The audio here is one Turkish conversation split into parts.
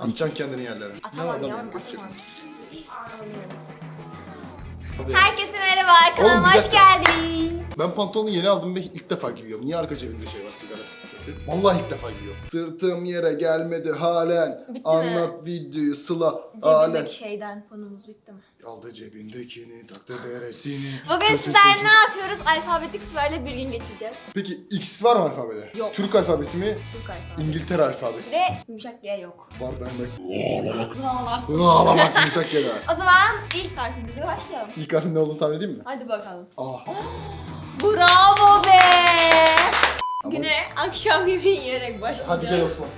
Atacaksın kendini yerlere. Atamam ya. Atamam, geçecek. Herkese merhaba. Kanalıma Oğlum, bir hoş dakika. geldiniz. Ben pantolonu yeni aldım ve ilk defa giyiyorum. Niye arka cebimde şey var, sigara? Vallahi ilk defa giyiyorum. Sırtım yere gelmedi halen. Bitti Anlat videoyu Sıla. Cebimdeki şeyden konumuz bitti mi? Aldı cebindekini, taktı beresini. Bugün kötü sizlerle çocuk. ne yapıyoruz? Alfabetik sırayla bir gün geçeceğiz. Peki X var mı alfabede? Yok. Türk alfabesi mi? Türk alfabeti. İngiltere alfabesi. Ve yumuşak bir yok. Var bende. Ağlarsın. Ağlamak yumuşak gene. O zaman ilk harfimize başlayalım. İlk harfin ne olduğunu tahmin edeyim mi? Hadi bakalım. A. Bravo be! Tamam. Güne akşam yemeği yiyerek başlayacağız. Hadi gel Osman.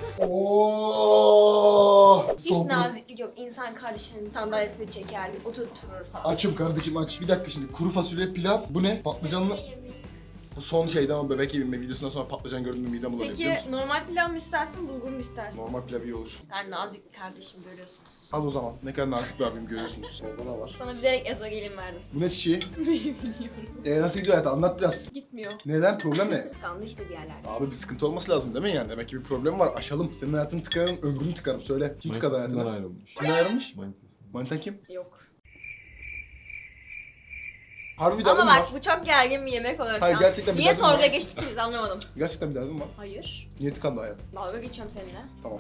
Oo. Hiç naziklik yok. İnsan kardeşinin sandalyesini çeker, oturtturur falan. Açım kardeşim aç. Bir dakika şimdi kuru fasulye pilav. Bu ne? Patlıcanlı. Bu son şeyden o bebek yeme videosundan sonra patlıcan gördüğümde midem bulanıyor biliyor Peki musun? normal pilav mı istersin, bulgur mu istersin? Normal pilav iyi olur. Ben nazik bir kardeşim görüyorsunuz. Al o zaman. Ne kadar nazik bir abim görüyorsunuz. Orada da var. Sana bilerek ezogelin verdim. Bu ne çiçeği? Bilmiyorum. Nasıl gidiyor hayat? Anlat biraz. Gitmiyor. Neden? Problem ne? Kaldı işte bir yerlerde. Abi bir sıkıntı olması lazım değil mi yani? Demek ki bir problem var. Aşalım. Senin hayatını tıkarım, ömrünü tıkarım. Söyle. Kim tıkadı Manitasından hayatını? ayrılmış. Kimden ayrılmış? Manitasından. Manitan kim? Yok. Harbi bir Ama derdin bak var. bu çok gergin bir yemek oluyor şu Hayır, an. gerçekten bir Niye derdin var. soruya geçtik ki biz anlamadım. Gerçekten bir derdin var. Hayır. Niye tıkandı hayat? Dalga geçiyorum seninle. Tamam.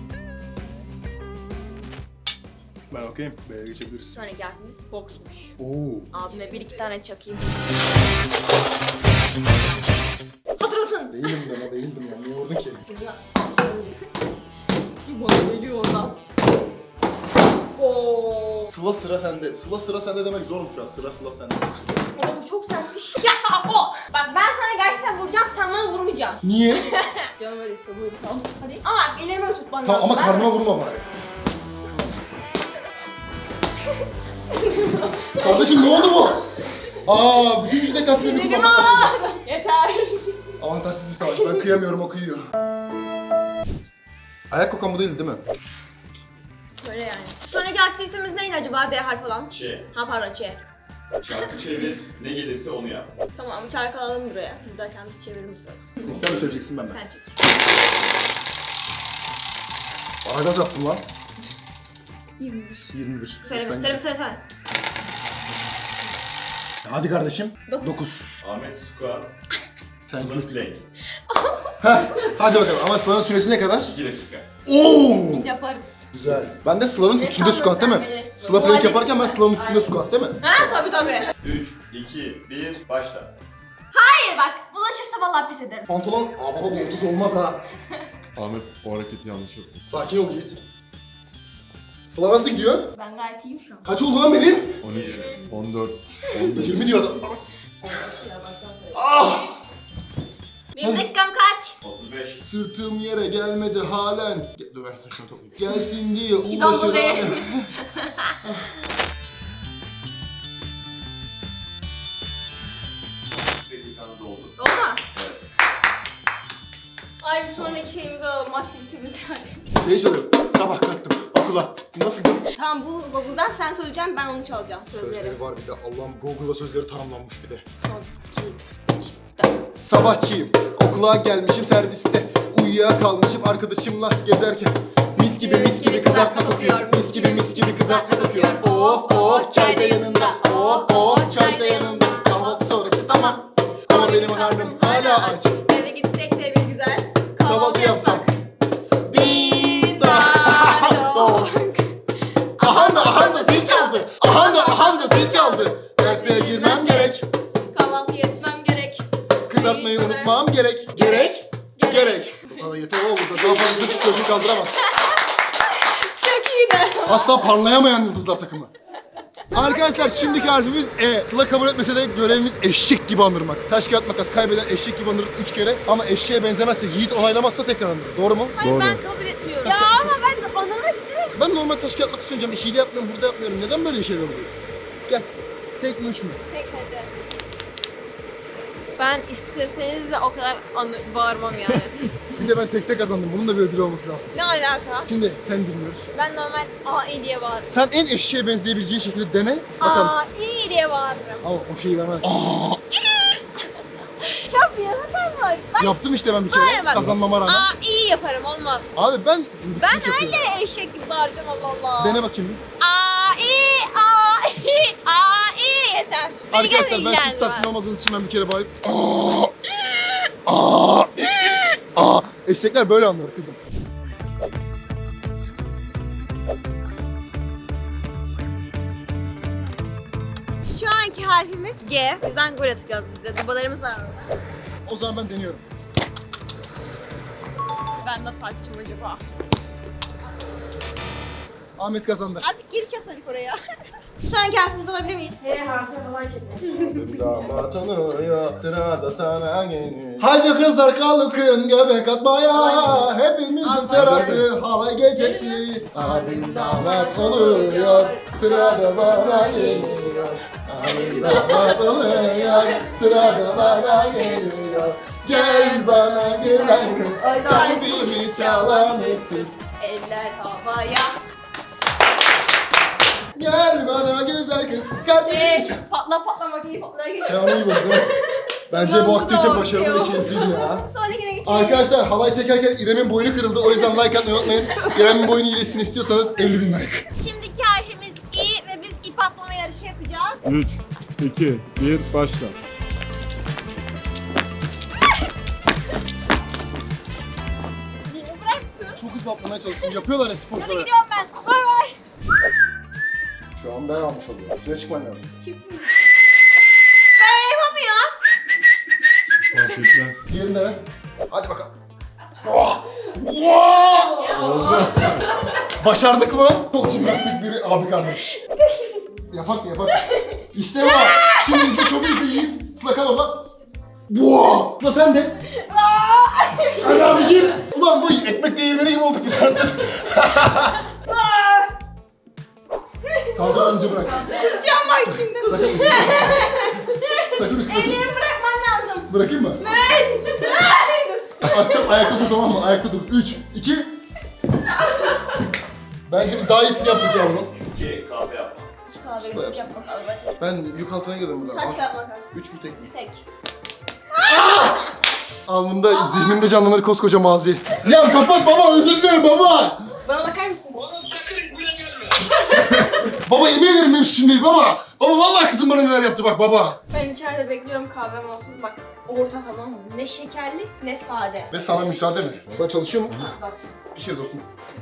Ben okeyim. B'ye geçebiliriz. Sonraki harfimiz boksmuş. Oo. Abime bir iki tane çakayım. Hazır mısın? Değilim de değildim ya. Niye vurdun ki? Bana geliyor oradan. Oo. Sıla sıra sende. Sıla sıra sende demek zorum şu an. Sıra Sıla sende. Ama bu çok sertmiş. Ya o. Bak ben sana gerçekten vuracağım, sen bana vurmayacaksın. Niye? Canım öyle istiyor, buyur tamam. Hadi. Ama ellerimi öyle tutman Tamam lazım. ama Ben- karnıma vurma bari. Kardeşim ne oldu bu? Aa, bütün güç deklasını Sinirimi kullanmak lazım. al. Yeter. Avantajsız bir savaş. Ben kıyamıyorum, o kıyıyor. Ayak kokan bu değil mi? Böyle yani. Sonraki aktivitemiz neydi acaba? D harfi olan. Ç. Ha pardon Ç. Şarkı çevir, ne gelirse onu yap. Tamam çarkı alalım buraya. Buradayken biz çevirelim sonra. Sen mi söyleyeceksin ben mi? Sen çek. Bana gaz attın lan. 21. 21. Söyleme, Lütfen söyleme, git. söyleme. Hadi kardeşim. Dokuz. 9. Ahmet squat, Sen Sıla git. plank. Hadi bakalım ama Sıla'nın süresi ne kadar? 2 dakika. Oo! Yaparız. Güzel. Ben de Sıla'nın Ne üstünde sandın squat değil sen mi? beni? Sıla plank Muhalif- yaparken ben Sıla'nın üstünde Aynen. squat değil mi? Ha tabii. 3, 2, 1, başla. Hayır bak bulaşırsa vallahi pes ederim. Pantolon, aa baba bu 30 olmaz ha. Ahmet o hareketi yanlış yaptı. Sakin ol Yiğit. Sıla nasıl gidiyor? Ben gayet iyiyim şu an. Kaç oldu lan benim? 13, 14, 15. 20 diyor adam. Ah! Benim dakikam kaç? 35. Sırtım yere gelmedi halen. Dur ben saçını toplayayım. Gelsin diye Git uğraşır buraya. halen. Dakikanız oldu. Oldu mu? Evet. Ay bir sonraki şeyimizi alalım, aktivitemizi yani. Şey söylüyorum. Sabah kalktım okula. Nasıl gidiyor? Tamam bu Google'dan sen söyleyeceksin, ben onu çalacağım. Sözleri var bir de. Allah'ım Google'da sözleri tanımlanmış bir de. Son 2, 3, 4. Sabahçıyım. Okula gelmişim serviste. Uyuyakalmışım arkadaşımla gezerken. Mis gibi kızartma kokuyor. Mis gibi kızartma kokuyor. Oh oh çay da yanında. Oh oh çay da yanında. Kahvaltı sonrası tamam. Ama benim karnım hala aç. Eve gitsek de bir güzel Kahvaltı yapsak. Din Doğru. Ahanda zil çaldı. Ahanda zil çaldı. Derse girmem gerek. Kahvaltı yapmam gerek. Kızartmayı unutmam gerek. Gerek. Valla yeter o burada. Daha fazlası psikoloji kaldıramaz. Çok iyiydi. Asla parlayamayan yıldızlar takımı. Arkadaşlar şimdiki harfimiz E. Sıla kabul etmese de görevimiz eşek gibi andırmak. Taş kağıt makas kaybeden eşek gibi andırır 3 kere. Ama eşeğe benzemezse, Yiğit onaylamazsa tekrar andırır. Doğru mu? Hayır Doğru. ben kabul etmiyorum. Ya ama ben anlamak istiyorum. Ben normal taş kağıt makas oynayacağım. Hile yapmıyorum, burada yapmıyorum. Neden böyle şeyler oluyor? Gel. Tek mi 3 mü? Tek hadi. Ben isteseniz de o kadar bağırmam yani. Bir de ben tekte kazandım. Bunun da bir ödülü olması lazım. Ne alaka? Şimdi sen bilmiyoruz. Ben normal A diye bağırırım. Sen en eşeğe benzeyebileceğin şekilde dene. Bakalım. İyi diye bağırırım. Ama o şeyi vermez. Çok bir yana sen var. Bak Yaptım işte ben bir kere. Hayır bak. Kazanmama rağmen. Aa iyi yaparım olmaz. Abi ben Ben mızıkçılık yapıyorum. öyle eşek gibi bağıracağım Allah Allah. Dene bakayım bir. Aa iyi aa iyi aa iyi yeter. Beni Arkadaşlar ben ilgilendirmez. siz tatmin olmadığınız için ben bir kere bağırayım. Aa. Eşekler böyle anlar kızım. Şu anki harfimiz G. Bizden gol atacağız biz de. Dubalarımız var orada. O zaman ben deniyorum. Ben nasıl atacağım acaba? Ahmet kazandı. Azıcık giriş yapsaydık oraya. Şu anki harfimizi alabilir miyiz? H harfi falan çekelim. Damat oluyor, sırada sana geliyor. Haydi kızlar kalkın göbek atmaya. Hepimizin sırası halay gecesi. Abim damat oluyor, sırada bana geliyor. Abim damat oluyor, sırada bana geliyor. Gel bana güzel kız, kalbimi çalan hırsız. Eller havaya. Gel bana güzel kız, kalbimi çal. Patla patla makineyi patlaya geçiyor. Ya onu iyi buldum. Bence bu aktivite başarılı ve keyifliydi ya. Sonrakine geçelim. Arkadaşlar halay çekerken İrem'in boynu kırıldı. O yüzden like atmayı unutmayın. İrem'in boynu iyileşsin istiyorsanız 50.000 like. Şimdiki harfimiz İ ve biz ip atlama yarışı yapacağız. 3, 2, 1, başla. Bıraktın. Çok hızlı atlamaya çalıştım. Yapıyorlar ya Hadi sporcular. gidiyorum ben. Bay bay. Şu an ben almış oluyorum. Şuraya çıkman lazım. Ben yapamıyorum. Fark etmez. Diğerini dene. Hadi bakalım. Oldu. Başardık mı? Çok jimnastik bir abi kardeş. Yaparsın yaparsın. İşte bu. Şimdi izle şovu izle Yiğit. Sıla kal orada. Boğa! Sıla sen de. Hadi abicim. Ulan bu ekmek değirmeni gibi olduk biz arasında. Sağ önce bırak. Kusacağım bak şimdi. Sakın üstüne. Sakın üstüne. Ellerimi bırakman lazım. Bırakayım mı? Atacağım ayakta dur tamam mı? Ayakta dur. 3, 2. Bence biz daha iyisini yaptık ya bunun. 2 kahve yapma. Sıla yapsın. Ben yük altına girdim burada. Kaç kağıt makas? 3 mü tek mi? Tek. Alnımda, zihnimde canlanır koskoca mazi. Ya kapat baba, özür dilerim baba. Bana bakar mısın? Baba yemin ederim benim suçum değil baba. Baba vallahi kızım bana neler yaptı bak baba. Ben içeride bekliyorum kahvem olsun. Bak orta tamam mı? Ne şekerli ne sade. Ve sana müsaade mi? Şu an çalışıyor mu? Bas. Bir şey dostum.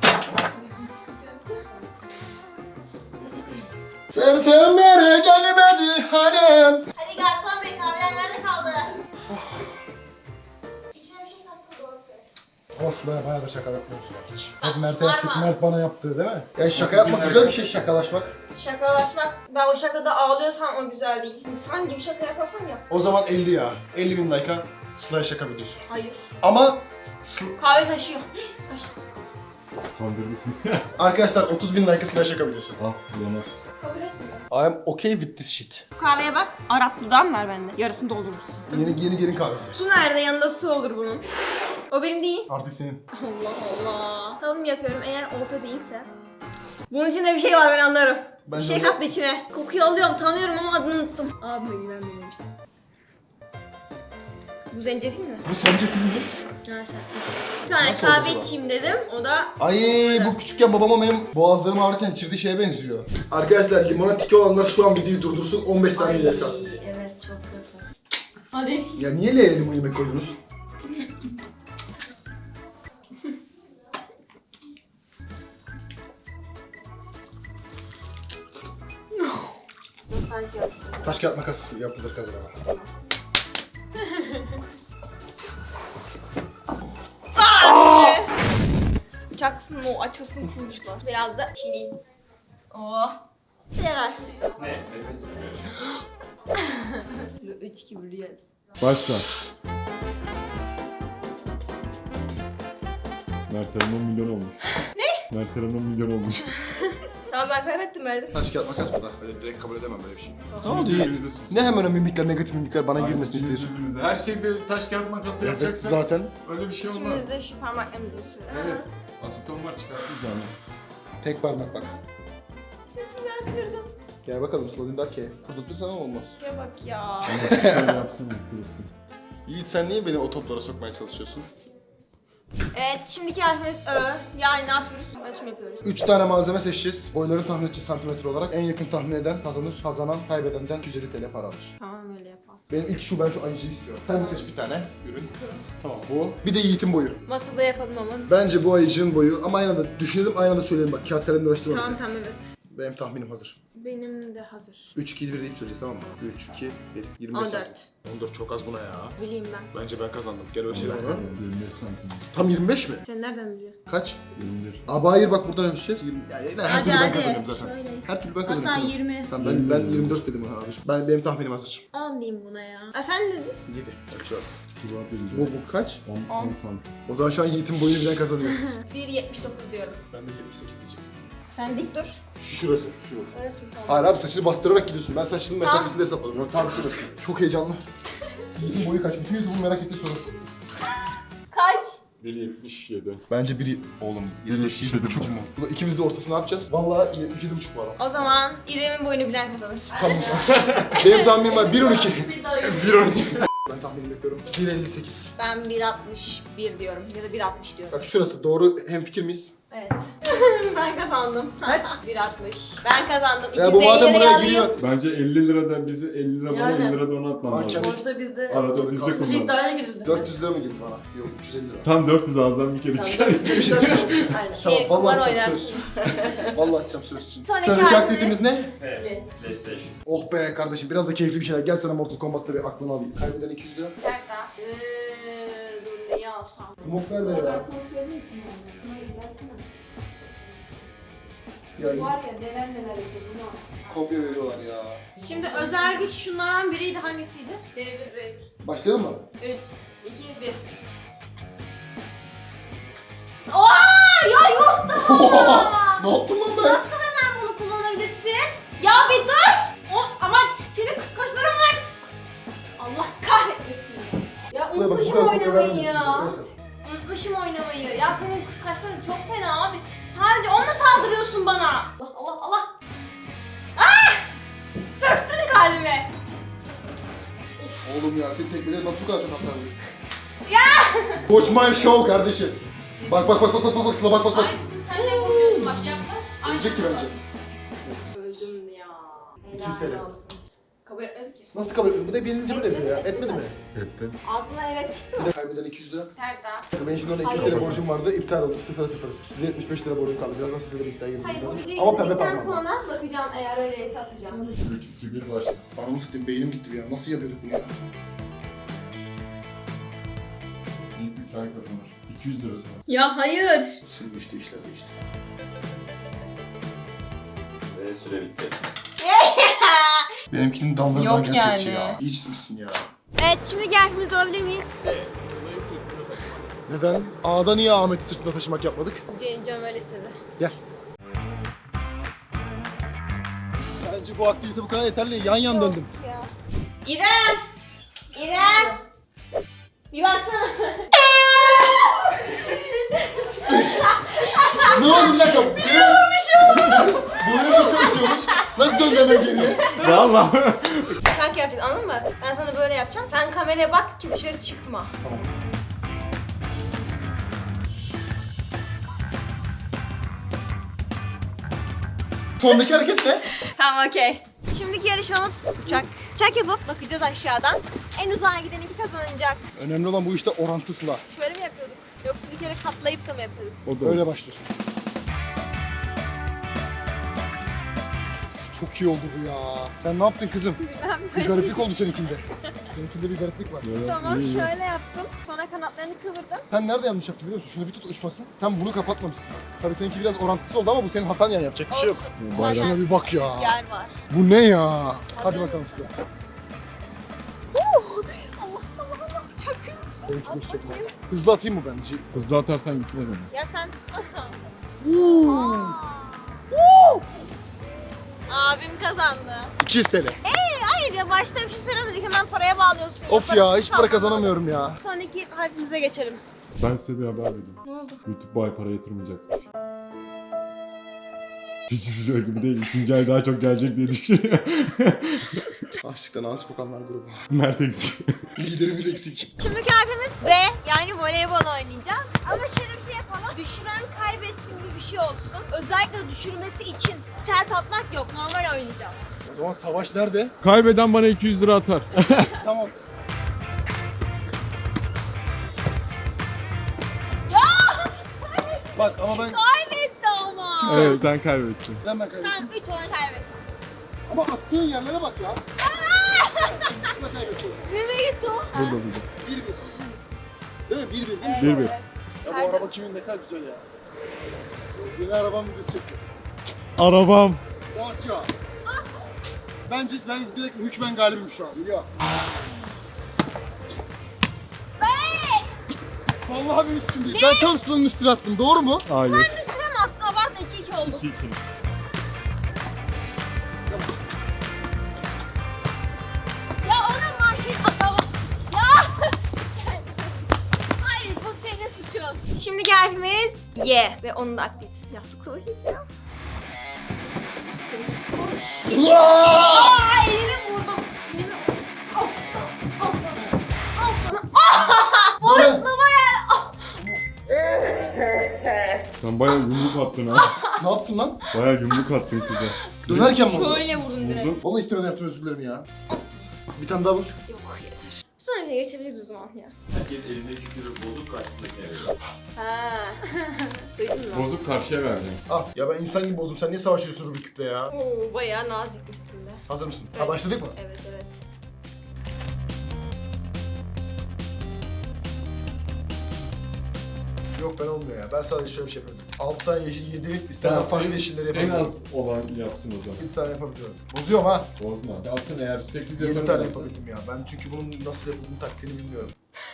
Sırtım yere gelmedi hanım. Hadi garson bey kahveler nerede kaldı? İçine bir şey kattım doğru söyle. Ama Sıla'ya bayağı da şaka yapmıyorsun ya hiç. Bak, Hep Mert'e yaptık, varma. Mert bana yaptı değil mi? Ya şaka yapmak güzel bir şey, şakalaşmak. Şakalaşmak. Ben o şakada ağlıyorsam o güzel değil. İnsan gibi şaka yaparsam yap. O zaman 50 ya. 50.000 like'a Sıla'ya şaka videosu. Hayır. Ama Kahve taşıyor. Taştı. Kandırmışsın. arkadaşlar 30.000 like'a Sıla'ya şaka videosu. Al, yanar. Kabul etmiyor. I am okay with this shit. Bu kahveye bak. Arap dudağım var bende. Yarısını doldurmuşsun. Yeni gelin kahvesi. Su nerede? Yanında su olur bunun. O benim değil. Artık senin. Allah Allah. Tadım yapıyorum eğer orta değilse. Bunun içinde bir şey var ben anlarım. Ben bir de şey onu- kattı içine. Kokuyu alıyorum, tanıyorum ama adını unuttum. Abime güvenmiyorum işte. Bu zencefil mi? Bu sence film mi? Ha sen. Bir tane Nasıl oldu kahve acaba? içeyim dedim. O da Ay bu küçükken babama benim boğazlarım ağrırken içirdiği şeye benziyor. Arkadaşlar limona tiki olanlar şu an videoyu durdursun 15 saniye ileri sarsın. Evet çok kötü. Hadi. Ya niye L'ye limon yemek koydunuz? Sanki yaptım. Taş kağıt makas yapılır kazanama. Sıkacaksın o açılsın kurmuşlar. Biraz da çiğneyim. Oh. Yarar. Ne? Nefes tutmuyor. 3 2 1 Başla. Mert Hanım'ın milyon olmuş. Ne? Mert Hanım'ın milyon olmuş. Tamam ben kaybettim verdim. Taş kağıt makas burada. Öyle direkt kabul edemem böyle bir şey. Ne oldu Yiğit? Ne hemen o mimikler, negatif mimikler bana girmesini istiyorsun? Her şey bir taş kağıt makası Evet yapacaksak zaten. öyle bir şey olmaz. İkimiz de şu parmaklarımızı sürelim. Evet. Aseton var çıkartırız yani. Tek parmak bak. Çok güzel sürdüm. Gel bakalım Sıla Dündar ki. Kudurtursan olmaz. Şuraya bak ya. Şöyle yapsana şurası. Yiğit sen niye beni o toplara sokmaya çalışıyorsun? Evet, şimdiki harfimiz Ö. Yani ne yapıyoruz? Ölçüm yapıyoruz. 3 tane malzeme seçeceğiz. Boyları tahmin edeceğiz santimetre olarak. En yakın tahmin eden kazanır. Kazanan kaybedenden 250 TL para alır. Tamam, öyle yapalım. Benim ilk ben şu ayıcıyı istiyorum. Sen de seç bir tane ürün. Tamam bu. Bir de Yiğit'in boyu. Masada yapalım ama. Bence bu ayıcığın boyu ama aynı anda düşünelim aynı anda söyleyelim bak. Kağıt kalemle uğraştırma bizi. Tamam evet. Benim tahminim hazır. Benim de hazır. 3, 2, 1 deyip söyleyeceğiz tamam mı? 3, 2, 1. 25 14. santim. 14 çok az buna ya. Bileyim ben. Bence ben kazandım. Gel ölçelim onu. 25 santim. Tam 25 mi? Sen nereden biliyorsun? Kaç? 21. Abi hayır bak buradan ölçeceğiz. 20. Ya, her türlü ben kazanıyorum zaten. Şöyle. Her türlü ben kazanıyorum. Hatta kızım. 20. Tamam ben 24 dedim abi. Benim tahminim hazır. 10 diyeyim buna ya. Sen ne dedin? 7. Ölçüyorum. Sıvap Bu, vereceğim. bu kaç? 10 santim. O zaman şu an Yiğit'in boyunu bilen kazanıyor. 1.79 diyorum. Ben de 78 diyeceğim. Sen dik dur. Şurası. Orası mı? Tamam. Hayır abi saçını bastırarak gidiyorsun. Ben saçının mesafesini de hesapladım. Yok tam şurası. Çok heyecanlı. Yiğit'in boyu kaç? Bütün YouTube'un merak ettiği soru. Kaç? 1.77. Bence biri oğlum 77 çok mu? Bu da ikimiz de ortası ne yapacağız? Vallahi 77,5 var. O zaman İrem'in boyunu bilen kazanır. Tamam. Benim tahminim var 1.12. Bir daha yok. 1.12. Ben tahminim bekliyorum. 1.58. Ben 1.61 diyorum ya da 1.60 diyorum. Bak şurası doğru hemfikir miyiz? Evet. Ben kazandım. Kaç? 1.60. Ben kazandım. Ya bu 250 madem lira buraya yazdım. giriyor. Bence 50 liradan bizi 50 lira bana Yani. 50 lira da ona atmam lazım. Mahkeme. Sonuçta bizde Arada bizde Aslında kullan. iddiaya girildi. 400 lira mı girdi bana? Yok 350 lira. Tam 400 ağızdan bir kere çıkar. Aynen. Tamam, Şey, vallahi kumar çok oynarsınız. Vallahi açacağım söz için. Sonraki Sıradaki harfimiz- aktivitemiz ne? P. PlayStation. Oh be kardeşim biraz da keyifli bir şeyler. Gel sana Mortal Kombat'ta bir aklını alayım. Kaybeden 200 lira. Bir dakika. Dur neyi alsam? Smoke nerede ya? Ya Var ya neler neler yapıyor bunu. kopya veriyorlar ya. Şimdi özel güç şunlardan biriydi, hangisiydi? Devir. Başlayalım mı? 3, 2, 1. Oha! Ya yok da! Ne yaptım lan ben? Nasıl hemen bunu kullanabilirsin? Ya bir dur! Ama senin kıskaçların var. Allah kahretmesin ya. Ya Sıla bak bu unutmuşum kadar kopya oynamayı vermemişsin. ya. Arkadaşlar. Unutmuşum oynamayı. Ya senin kıskaçların çok fena abi. Sadece onunla saldırıyorsun bana. Allah Allah Allah. Ah! Söktün kalbime. Oğlum ya senin tekmeleri nasıl bu kadar çok hasar vuruyor? Ya! Watch my show kardeşim. Bak bak bak bak bak bak Sıla bak bak bak. Aynısını sen de yapabiliyorsun bak yaklaş. Ölecek ki bence. Öldüm ya. 200 TL. Helal olsun. Kabul etmedi ki. Nasıl kabul etmedi? Bu da birinci böyle yapıyor ya. Etmedi mi? Etti. Ağzından evet çıktı Bir mı? de kaybeden 200 lira. Terda. Benim şimdi ona 200 Hayır. lira borcum vardı. İptal oldu. 0'a 0'ız. Size 75 lira borcum kaldı. Birazdan sizle de bir iddiaya gireceğiz. Hayır bu zaten. videoyu Ama pembe izledikten parmağım. sonra bakacağım, eğer öyleyse atacağım. 3, 2, 1 başla. Anamı satayım beynim gitti ya. Nasıl yapıyorduk bunu ya? İlk 3 ay kazanır. 200 lirası var. Ya hayır. Şimdi işte işler değişti. Ve süre bitti. Benimkinin dalları Yok daha gerçekçi yani. ya. İyi çizmişsin ya. Evet, şimdi harfimizi alabilir miyiz? P. Sıla'yı sırtına taşı. Neden? A'da niye Ahmet'i sırtında taşımak yapmadık? Canım öyle istedi. Gel. Bence bu aktivite bu kadar yeterli. Yan yan döndüm. Ya. İrem! İrem! Bir baksana. Ne oldu bir dakika? Ne olmuş? Boyuna da çalışıyormuş. Nasıl döndüğüme geriye? Valla. Şarkı yapacağız, anladın mı? Ben sana böyle yapacağım. Sen kameraya bak ki dışarı çıkma. Tamam. Sondaki hareket ne? Tamam, okey. Şimdiki yarışmamız uçak. Uçak yapıp bakacağız aşağıdan. En uzağa giden iki kazanacak. Önemli olan bu işte orantısla. Şöyle mi yapıyorduk? Yoksa bir kere katlayıp da mı yapıyorduk? O da Öyle başlıyorsun. Çok iyi oldu bu ya. Sen ne yaptın kızım? Bilmem. Bir gariplik oldu seninkinde. Seninkinde bir gariplik var. Evet, Tamam, iyi, iyi. şöyle yaptım. Sonra kanatlarını kıvırdım. Sen nerede yanlış yaptın biliyor musun? Şunu bir tut uçmasın. Sen bunu kapatmamışsın. Tabii seninki biraz orantısız oldu ama bu senin hatan yani yapacak bir şey yok. Bayram. Şuna bir bak ya. Yer var. Bu ne ya? Hadi bakalım size. Allah Allah Allah. Çakın. Benimki boş çekme. Hızlı atayım mı ben? Hızlı atarsan gitmez ama. Ya sen Uuu. abim kazandı. 200 TL. Hayır ya, başta bir şey söylemedik, hemen paraya bağlıyorsun. Of ya Yaparız, hiç para tamam. kazanamıyorum ya. Sonraki harfimize geçelim. Ben size bir haber vereyim. Ne oldu? YouTube bu ay para yatırmayacak. Hiç üzülüyor gibi değil. 2. ay daha çok gelecek diye düşünüyor. Açlıktan ağız kokanlar grubu. Mert eksik. Liderimiz eksik. Şimdiki harfimiz B. Yani voleybol oynayacağız. Ama şöyle bir şey yapalım. Düşüren kaybetsin gibi bir şey olsun. Özellikle düşürmesi için sert atmak yok. Normal oynayacağız. O zaman savaş nerede? Kaybeden bana 200 lira atar. Tamam. Bak ama ben Kaybetti ama. Evet sen kaybettin. ben Sen kaybettim. 3 olan kaybetsin. Ama attığın yerlere bak ya. Nasıl kaybediyorsun? Nereye gitti o? Burada burada. 1-1. Değil mi? 1-1 değil mi şu an? 1-1. Ya bu araba kimin ne kadar güzel ya. Yeni arabam videosu çekeceğiz. Arabam. Dacia. Bence ben direkt hükmen galibim şu an. Biliyor. Vallahi benim üstüm değil. Ben tam Sıla'nın üstüne attım. Doğru mu? Hayır. Ben de sürem attı. Abartma 2-2 oldu. 2-2. Ya ona marşet atamam. Ya. Hayır bu senin suçun. Şimdi harfimiz Y. Ve onun da aktivitesi yastık oynayacağız. Aa, elimi vurdum. Elimi... Al sana. Al sana. Al sana. Boşluğuma gel. Ah! Sen bayağı yumruk attın ha. Ne yaptın lan? Bayağı yumruk attın kıza. Dönerken mi oldu? Şöyle vurdun direkt. Vurdun. Vallahi istemeden yaptım, özür dilerim ya. Bir tane daha vur. Yok yeter. Bir sonrakine geçebiliriz o zaman ya. Herkes elindeki kürü bozuk karşısındakine veriyor. Ha. Duydun mu? Bozuk karşıya vereceğim. Ah ya ben insan gibi bozdum. Sen niye savaşıyorsun Rubik Küp'le ya? Oo, bayağı nazikmişsin de. Hazır mısın? Evet. Ha başladık mı? Evet evet. Yok ben olmuyor ya. Ben sadece şöyle bir şey yapıyorum. 6 tane yeşil 7. İstersen farklı yeşilleri En yapabiliyorum. az olan yapsın o zaman. 1 tane yapabiliyorum. Bozuyorum ha. Bozma. Yapsın eğer 8 7 yaparım. tane yapabildim ya. Ben çünkü bunun nasıl yapıldığını taktiğini bilmiyorum.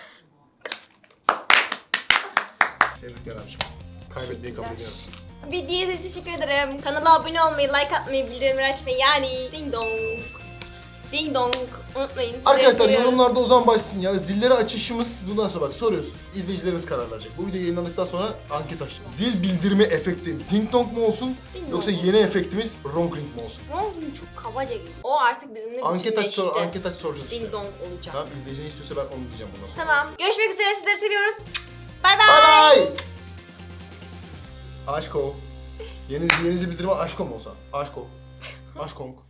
Tebrikler abiciğim. Kaybetmeyi kabul ediyorum. Videoya teşekkür ederim. Kanala abone olmayı, like atmayı, bildirimleri açmayı yani ding dong. Ding dong. Unutmayın. Sizi Arkadaşlar seviyoruz. yorumlarda o zaman başlasın ya. Zilleri açışımız bundan sonra bak soruyoruz. İzleyicilerimiz karar verecek. Bu video yayınlandıktan sonra anket açacağız. Zil bildirimi efekti ding dong mu olsun Ding yoksa dong. yeni efektimiz ronk ring mi olsun? Ronk çok kabaca gibi. O artık bizimle Anket aç bütünleşti. anket aç soracağız işte. Ding dong olacak. Tamam izleyici ne istiyorsa ben onu diyeceğim bundan sonra. Tamam. Görüşmek üzere. Sizleri seviyoruz. Bay bay. Bye bye. Aşko. Yeni zil bildirimi aşko mu olsa? Aşko. Aşkonk.